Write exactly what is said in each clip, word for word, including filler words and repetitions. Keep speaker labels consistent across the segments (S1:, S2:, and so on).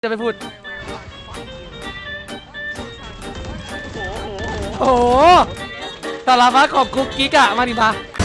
S1: จะไปพูดโอ้โหสารพัดของกุ๊กกิ๊กอะมาดิมา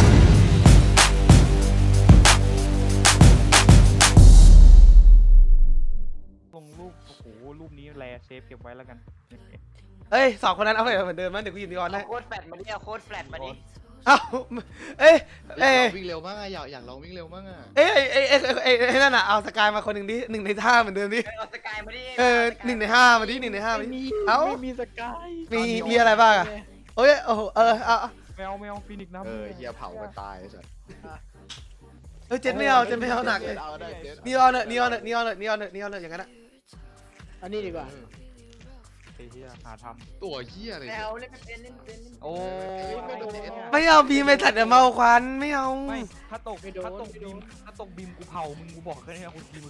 S2: ลงรูปโอ้โหรูปนี้แลเซฟเก็บไว้แล้วกัน
S1: เอ้ยสองคนนั้นเอาไปเหมือนเดิมมั้ยเดี๋ยวกูหยิบดีก่อนได้
S3: โค้ดแฟลตมาดิเอาโค้ดแฟลตมาดิ
S1: เอ้าเอ้ย
S4: เอ้
S1: เอ้ย
S4: วิ่งเร็วมากอะอยากอยากลองวิ่งเร็วมากอะ
S1: เอ้ยเอ้ยเอ้ยเอ้ยเอ้ยนั่นน่ะเอาสกายมาคนหนึ่งดิหนึ่งในห้าเหมือนเดิมดิ
S3: เอาสกายมาดิ
S1: เออหนึ่งในห้ามาดิหนึ่งในห้ามาดิเอ้า
S2: ไม่มีสกาย
S1: มีมีอะไรบ้างอะโอ้ยโอ้โหเออเอา
S2: แมวแมวฟินิกซ์น้ำ
S4: เออเฮียเผากันตายสัส
S1: เฮ้ยเจ็ดไม่เอาเจ็ดไม่เอาหนักเลย
S4: เอาได้เจ็ด
S1: นี่เอาเนอะนี่เอาเนอะนี่เอาเนอะนี่เอาเนอะนี่เอาเนอะอย่างนั้นอะ
S5: อันนี้ดีกว่า
S2: ไอ้เหี้ยหาท
S4: ตัวเฮียอะไร
S3: แม
S4: เนี่ยว
S3: เล่นไม่เป็นเล่นไม่เป็น
S2: ำโอ้ย
S4: ไม่โดน
S1: ไม่เอาบีไม่ตัดเดี๋ยวเมาควันไม่เอา
S2: ไม่ถ้าตกถ้าตกบิมถ้าตกบิมกูเผามึงกูบอกแค่นี้กูทีมึง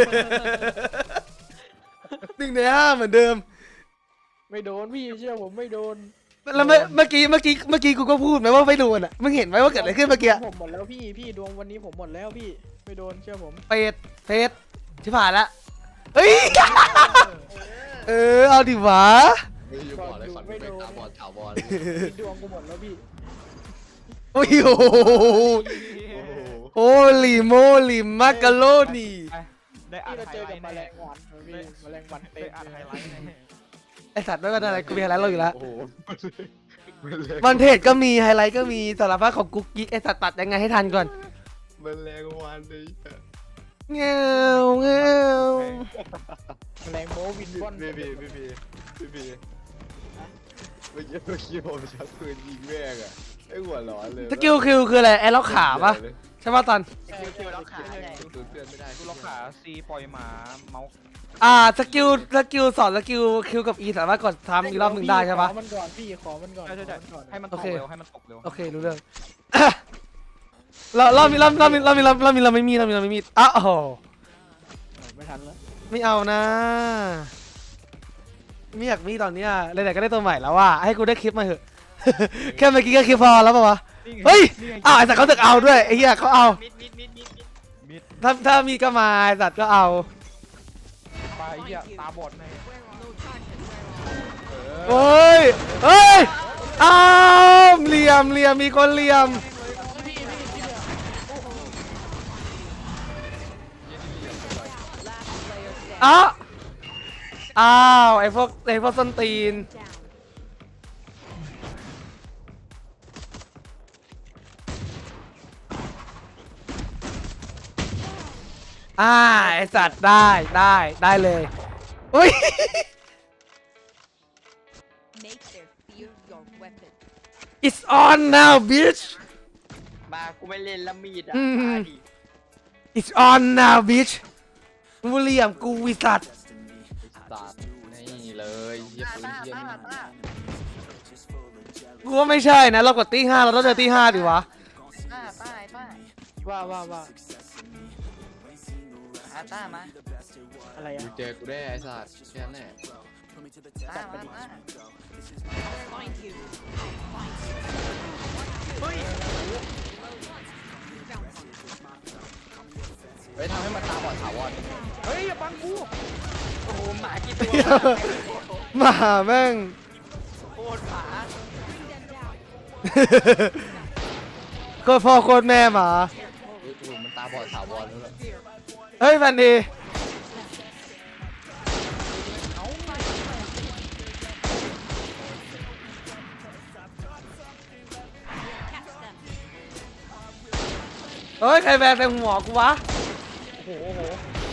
S1: หนึ่งในห้าเหมือนเดิม
S5: ไม่โดนพี่เชื่อผมไม่โดน
S1: แล้วเมื่อเมื่อกี้เมื่อกี้เมื่อกี้กูก็พูดไหมว่าไม่โดนอ่ะมึงเห็นไหมว่าเกิดอะไรขึ้นเมื่อกี้
S5: ผมหมดแล้วพี่พี่ดวงวันนี้ผมหมดแล้วพี่ไม่โดนเชื่อผม
S1: เป็ดเป็ดที่ผ่านละเฮ้ยเออเอาดิวะ
S4: ไม่อยู่บอดเลยสันไม่เป็นตาบอดถาวร
S5: ดวงกูหมดแล้วพี่
S1: โอ้ยโอ้โห
S4: โอ้โห
S1: โอ้ลิโมลิมมักกะโลนี่
S2: ได้อ่า
S5: พี่
S2: น
S5: เรา
S2: ไฮ
S5: เจ
S2: ไล
S5: อกับ
S2: ท์
S5: แม
S2: แน่
S5: ลงวันพี่แมลงวันเต็
S2: ได้
S5: ม
S2: อ่านไฮ
S5: เลย
S2: ไลท์แน่
S1: ไอสัตว์ไม่ว่าอะไรกูมีไฮไลท์เราอยู่แล้ว
S4: โอ้โหมันแรง
S1: วันเทจก็มีไฮไลท์ก็มีสารพัดของกุ๊กกิ๊กไอสัตว์ตัดยังไงให้ทันก่อน
S4: มันแรงวันเลย
S1: เงี้ยวเงี้ยว
S5: แมลงโมวินบอน
S4: พี่พี่พี่พี่พี่พี่เมื่อกี้เมื่อกี้ผมชักปืนยิงแม่งอะไอ้หัวร้อนเลย
S1: สกิลคิวคืออะไรไอล็อกขาปะใช่ปะตอน
S3: คิวคิวล็อกขาใหญ่
S4: ตูดเพื่อนไม่ได้
S2: กูล็อกขาซีปล่อยหมาเมาส์
S1: อ่าสกิลสกิลสอนสกิลคิวกับอีสามารถกดทำอีกรอบหนึ่งได้ใช่ปะ
S5: ขอมันก่อนพี่ขอมันก่อน
S2: ใช่ใช่ใช่
S5: ขอมันก่อน
S2: ให้มันต
S1: โอก เค
S2: เร็วให้มันตกเร็ว
S1: โอเครู้เรื่อง เราเรามีเราเรามีเรามีเราเรามีเราไม่มีเรามีเราไม่มีอ้าวโอ้โห
S5: ไม่ทันแล้ว
S1: ไม่เอานะไม่อยากมีตอนเนี้ยไหนๆก็ได้ตัวใหม่แล้วว่าให้กูได้คลิปมาเถอะ แค่เมื่อกี้ก็คลิปพอแล้วป่าวะเฮ้ยอ้าวไอ้สัตว์เขาตึกเอาด้วยไอ้เหี้ยเขาเอา
S3: มิดมิดมิดมิดมิด
S2: มิด
S1: ถ้าถ้ามีก็มาไอ้สัตว์ก็เอา
S2: ไปเหี้ยตาบอดแน่
S1: เฮ้ยเฮ้ยอ้าวเหลี่ยมเหลี่ยมมีคนเหลี่ยมอ้าวอ้าวไอ้พวกไอ้พวกส้นตีนอ่าไอสัตว์ได้ได้ได้เลยอุ้ย
S6: Make their fear your weapon.
S1: it's on now bitch
S3: มากูไม่เล่นละมีดอ่ะ
S1: อืม
S3: มาดิ
S1: it's on now bitch กูเหลี่ยมกูวิสัตว์
S4: สัตว์นี่เลยเฮียปืน
S3: ต้า
S4: เฮีย
S3: ต้า
S4: นี่
S3: ต้า
S1: กูว่าไม่ใช่นะเรากดตีห้าเราต้องเจอตีห้าดิวะ
S3: ต้าต้าไอ้ต้า
S5: ว่าว่าว่า
S3: อาต้ามา
S5: อะไร
S4: กู
S5: อ่ะ
S4: เจอกูได้ไอ้สัตว์แค่นั้นแหละ
S3: ต้ามาต้า
S6: Find you.
S3: เฮ้ย
S4: ไปทำให้มันตาบอดถาวร
S2: เฮ้ยอย่าบังกู
S3: โอ้โหหมากี่ตัว
S1: หมาแม่ง
S3: โคตรหมา
S1: โคตรพ่อโคตรแม่หมา
S4: เฮ้ยโอ้โหมันตาบอดถาวรแล้ว
S1: เฮ้ยแฟนดีเฮ้ยใครแบนใส่หัวกูวะ
S2: โอ้โหโอ้โห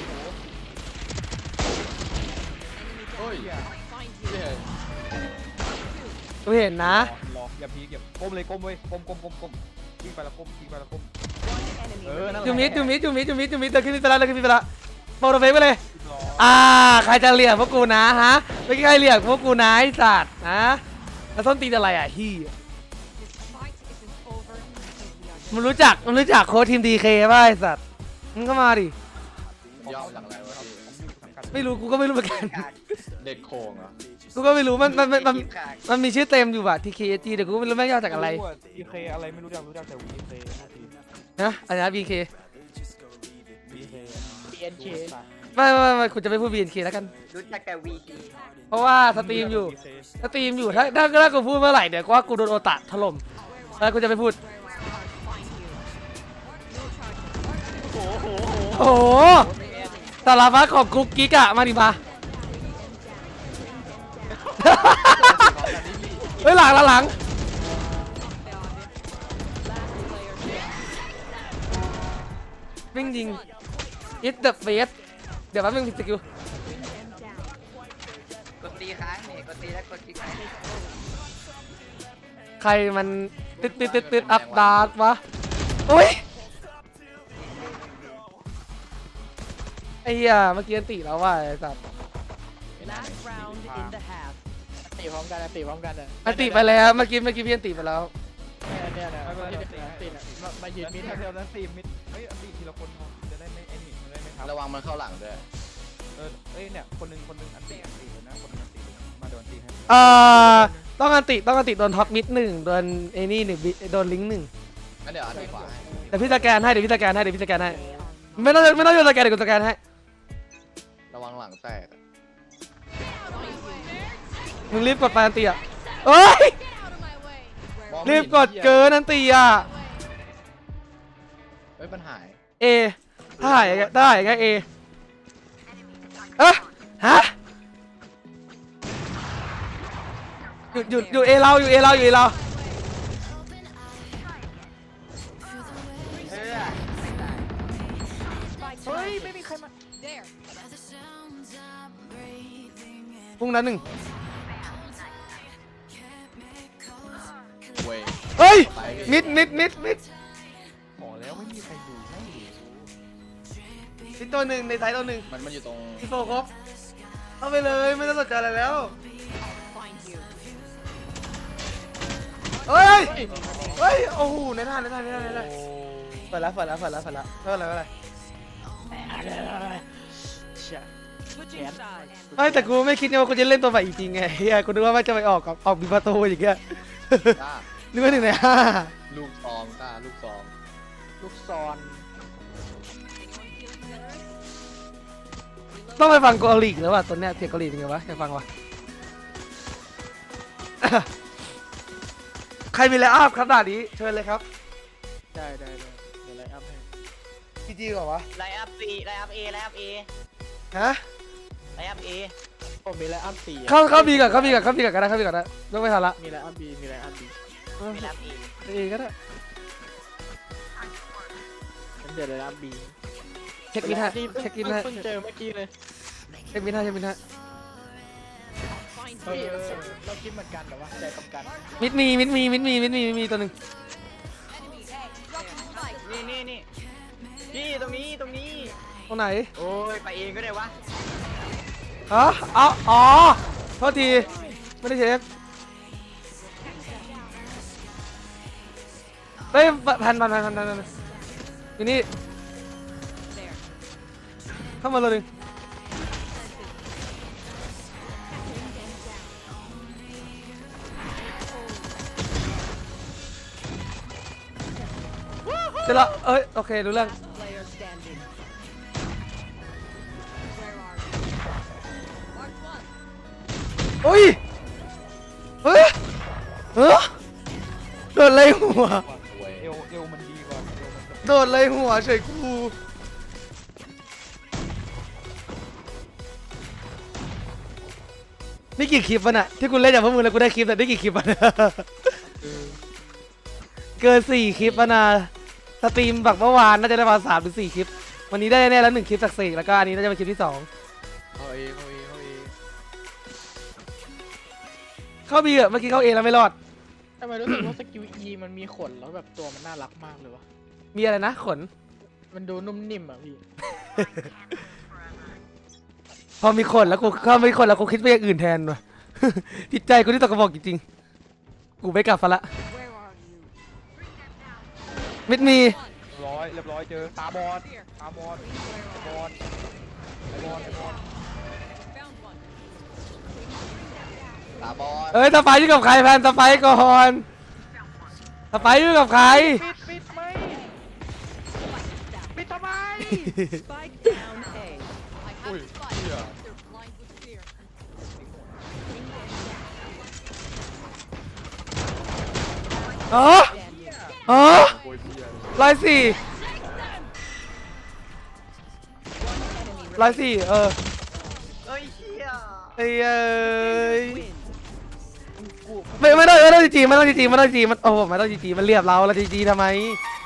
S4: เฮ้ย
S6: Find
S4: เฮีย
S1: กูเห็นนะ
S2: รออย่าพีกอย่าก้มเลยก้มเว้ยก้มก้มก้มก้มวิ่งไปแล้วก้มวิ่งไปแล้วก้ม
S6: one enemy
S2: เออนั่นแหละ
S1: จูมิดจูมิดจูมิดจูมิดจูมิดเดินขึ้นไปแล้วเดินขึ้นไปแล้วโปรโตเฟกไปเลย
S2: รอ
S1: อ่าใครจะเหลี่ยมพวกกูนะฮะไม่ใครเหลี่ยมพวกกูนะไอ้สัตว์นะแล้วส้นตีนอะไรอ่ะฮี่
S6: This fight isn't over until we are
S1: มันรู้จักมันรู้จักโค้ชทีมดีเคป่ะไอ้สัตว์มึงก็มาดิ
S4: ย่อมาจากอะไรวะพี่
S2: สังกัด
S1: ไม่รู้กูก็ไม่รู้เหมือนกัน
S3: ขาด
S4: เด็ดโคงเหรอ
S1: กูก็ไม่รู้มันมันมันมัน
S3: ขาด
S1: มันมีชื่อเต็มอยู่ว่ะทีเคจีแต่กูก็ไม่รู้แม่งย่อจากอะไร
S2: วีเคอะไรไม่รู้จักรู้จักแต่วีเค
S1: นะอะไรนะบีเค
S2: วีเค
S5: บี เอ็น เค
S1: ไม่ไม่ไม่คุณจะไม่พูด บี เอ็น เค แล้วกัน
S3: รู้จักแต่วีซี
S1: เพราะว่าสตรีมอยู่สตรีมอยู่ถ้าถ้าถ้ากูพูดเมื่อไหร่เดี๋ยวกูว่ากูโดนโอตะถล่มแล้วกูจะไม่พูดโอ้โหสารพัดของกุ๊กกิ๊กอะมาดิมา เฮ้ยหลังหลังหลังวิ่งยิง It's the face เดี๋ยวแป๊บนึงผิดสกิล
S3: กดตีค้างนี่กดตีแล้วกดตีค้าง
S1: ใครมันติดติดติดติดอัพดาร์กวะโอ้ยไอ้เหี้ยเมื่อกี้อันติแล้วว่ะไอ้สัตว์
S6: Last round in the half.
S5: ตีพร้อมกันนะตีพร้อมกันนะ
S1: อันติไปแล้วเมื่อกี้เมื่อกี้พี่อันติไปแล้ว
S5: เนี่ยเนี่ยเนี่ยเนี่ยตีเนี่ยมามายืน
S2: มิ
S5: มิ
S2: ด
S5: ด
S2: แถวนั้นตีมิดเฮ้ยอันตีทีละคนพอจะได้ไม่ไอ้นี่จะได้ไม่ทับ
S4: ระวังมันเข้าหลังด้วย
S2: เออเอ้ยเนี่ยคนหนึงคนหนึงอันตีอันตีนะคนหนึงอันตีมาโดนตีให้
S1: เอ่อต้องอันติต้องอันติโดนท็อปมิดหนึ่งโดนไอ้นี่หนึ่งบิโดนลิงก์หนึ่ง
S4: งั้นเดี๋ยวอันนี้ขวาให้
S1: เดี๋ยวพี่สแกนให้เดี๋ยวพี่สแกนให้เดี๋ยวพี่สแกนให้ไม่ต้องไม่ต้องโยนสแกนเดี๋ยวกูสแกนให้
S4: ระวังหลังแตกอะ
S1: มึงรีบกดไปอันติอ่ะเอ้ย
S4: มองไม่
S1: รี
S4: เห็
S1: บ
S4: น
S1: กดเกินอันติอ่ะ
S4: เฮ้ยมันหาย
S1: เอถ้าหายอย่างเงี้ยได้อย่างเงี้ยเอเอ๊ะฮะหยุดหยุดอยู่เอเราอยู่เอเราอยู่เอเรา
S3: เออไม่ตาย
S5: เฮ้ยไม่มีใครมา
S6: There.
S1: พุ่งนั้นหนึ่ง
S4: เว้ย
S1: เฮ้ยมิดมิดมิดมิด
S2: ขอแล้วไม่มีใครดูให้
S1: มิดตัวหนึ่งในไซต์ตัวหนึ่ง
S4: มันมันอยู่ตรง
S1: พี่โฟครบเข้าไปเลยไม่ต้องสนใจอะไรแล้ว
S6: Find you.
S1: เฮ้ยเฮ้ยโอ้โหในท่าในท่าในท่าในท่าเปิดแล้วเปิดแล้วเปิดแล้วเปิดแล้วไม่เป็นไรไม่เป็นไร
S5: เชี่ย
S6: Switching sides.
S1: ไม่แต่กูไม่คิดไงว่ากูจะเล่นตัวใหม่จริงๆไงเฮียกูนึกว่ามันจะไปออกกับออกมีประตูอย่างเงี้ย
S4: กล้า
S1: นึกว่าหนึ่งในห้า
S4: ลูกซองกล้าลูกซอง
S5: ลูกซอน
S1: ต้องไปฟังเกาหลีแล้วว่ะตัวเนี้ยเสียงเกาหลีเป็นไงวะอยากฟังวะ ใครมีไลน์อัพครับด่านนี้เชิญเลยครับ
S5: ได้ได้ได้เดี๋ยวไลน์อัพให้
S1: จีจีก่อนวะ
S3: ไลน์อัพซีไลน์อัพเอไลน์อัพเอ
S1: ฮะ
S3: ไลน์อัพเอ
S5: ผมมีไลน์อัพสี่อะ
S1: เข้าเข้าบีก่อนเข้าบีก่อนเข้าบีก่อนก็ได้เข้าบีก่อนได้ไม่ไม่ทันละ
S5: มีไลน์อัพบีมีไลน์อัพบี
S3: มีไลน์อัพเอ
S1: เอก็ได้
S5: งั้นเดี๋ยวไลน์อัพบี
S1: เช็คบินให้เช็คบินให้
S5: เพิ่งเจอเมื่อกี้เลย
S1: เช็คบินให้เช็คบินให้
S6: Find
S5: เออ
S6: you.
S5: เราคิดเหมือนกันแต่ว่าใจตรงกัน
S1: มิดมีมิดมีมิดมีมิดมีมิดมีตัวหนึ่ง
S3: นี่นี่นี่พี่ตรงนี้ตรงนี้
S1: ตรงไหน
S3: โอ้ยไปเองก็ได้วะ
S1: ฮะเอาอ๋อโทษทีไม่ได้เช็คเฮ้ยพันพันพันพันพันพันอยู่นี่
S6: There.
S1: เข้ามาเลยหนึ่งเสร็จแล้วเอ้ยโอเครู้เรื่อง
S6: Last player standing. Where are you? Mark one.
S1: อุ้ยเฮ้ยเฮ้ยโดนเลยหัว
S4: เว้ย
S2: เอวเอวมันดีกว่าเอวมันจะ
S1: โดนเลยหัวเฉยกูนี่กี่คลิปวะน่ะที่กูเล่นจากพวกมึงแล้วกูได้คลิปแต่ได้กี่คลิปวะเนี่ยเกินสี่คลิปวะนะสตรีมแบบเมื่อวานน่าจะได้ประมาณสามหรือสี่คลิปวันนี้ได้แน่แล้วหนึ่งคลิปจากสี่แล้วก็อันนี้น่าจะเป็นคลิปที่สอง
S4: เข้าเอเข้าเอเข้าเอ
S1: เข้าบีอะเมื่อกี้เข้าเอแล้วไม่รอด
S5: ทำไมรู้สึกว่าสกิล E มันมีขนแล้วแบบตัวมันน่ารักมากเลยวะ
S1: มีอะไรนะขน
S5: มันดูนุ่มนิ่มอ่ะพี่
S1: พอมีขนแล้วกูเข้ามีขนแล้วกูคิดไปอย่างอื่นแทนว่ะ จิตใจกูที่ตกกระบอกจริงๆกูไม่กลับฟะละ
S6: Where are you?
S1: มิดมี
S2: เรียบร้อยเรียบร้อยเจอตาบอดตาบอดตาบอดตาบอดตาบอด
S6: Found one.
S4: ตาบอด
S1: เอ้ยสไปร์อยู่กับใครแพนสไปร์ก่อนสไปร์อยู่กับใคร
S5: ปิดปิดไหมปิดทำไม
S6: Spike down A. I
S5: โอ้
S1: อ๋ออ๋อ
S4: โคตรเหี้ย
S1: ร้อยสี่ร้อยสี่เออ
S3: เอ้ยเชี่ย
S1: ไอ้เอ้ยไม่ไม่ต้องไม่ต้องจีจีไม่ต้องจีจีไม่ต้องจีจีมันโอ้ไม่ต้องจีจีมันเรียบเราเราจีจีทำไม